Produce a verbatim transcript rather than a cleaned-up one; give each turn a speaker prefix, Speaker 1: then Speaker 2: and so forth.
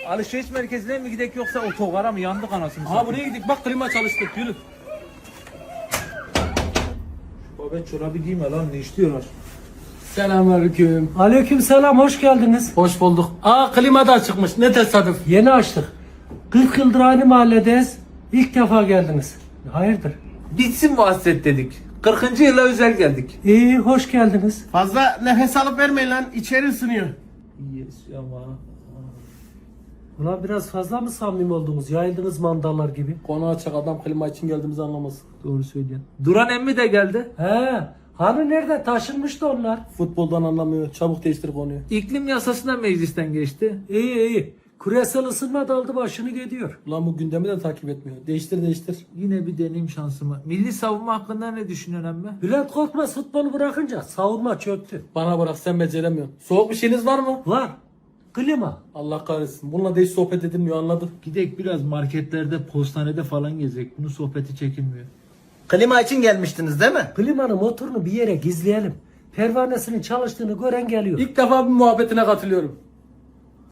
Speaker 1: alışveriş merkezine mi gidek yoksa otogara mı? Yandık anasını
Speaker 2: Aha buraya gidik. Bak klima çalıştı. Yürü.
Speaker 1: Babet çorabı giyme lan, ne istiyorlar?
Speaker 2: Selamünaleyküm.
Speaker 3: Aleykümselam, hoş geldiniz.
Speaker 2: Hoş bulduk. Aa klima da çıkmış. Ne tesadüf.
Speaker 3: Yeni açtık. kırk yıldır aynı mahalledeyiz. İlk defa geldiniz. Hayırdır?
Speaker 1: Bitsin bu hasret dedik. kırkıncı yıla özel geldik.
Speaker 3: İyi, hoş geldiniz.
Speaker 4: Fazla nefes alıp vermeyin lan, içeri ısınıyor.
Speaker 1: Yes ama.
Speaker 3: Ulan biraz fazla mı samimi oldunuz? Yayıldınız mandallar gibi.
Speaker 2: Konu açık, adam klima için geldiğimizi anlamasın.
Speaker 1: Doğru söylüyorsun. Duran emmi de geldi.
Speaker 3: He, hani nerede? Taşınmıştı onlar.
Speaker 2: Futboldan anlamıyor. Çabuk değiştir konuyu.
Speaker 1: İklim yasasına meclisten geçti.
Speaker 3: İyi iyi. Küresel ısınma daldı başını gidiyor.
Speaker 2: Ulan bu gündemi de takip etmiyor. Değiştir değiştir.
Speaker 1: Yine bir deneyim şansımı. Milli savunma hakkında ne düşünüyorsun emmi?
Speaker 3: Bülent Korkmaz futbolu bırakınca savunma çöktü.
Speaker 2: Bana bırak, sen beceremiyorsun. Soğuk bir şeyiniz var mı?
Speaker 3: Var. Klima.
Speaker 2: Allah kahretsin. Bununla da hiç sohbet edilmiyor, anladım.
Speaker 1: Gidek biraz marketlerde, postanede falan gezek. Bunun sohbeti çekilmiyor.
Speaker 4: Klima için gelmiştiniz değil mi?
Speaker 3: Klimanın motorunu bir yere gizleyelim. Pervanesinin çalıştığını gören geliyor.
Speaker 2: İlk defa bir muhabbetine katılıyorum.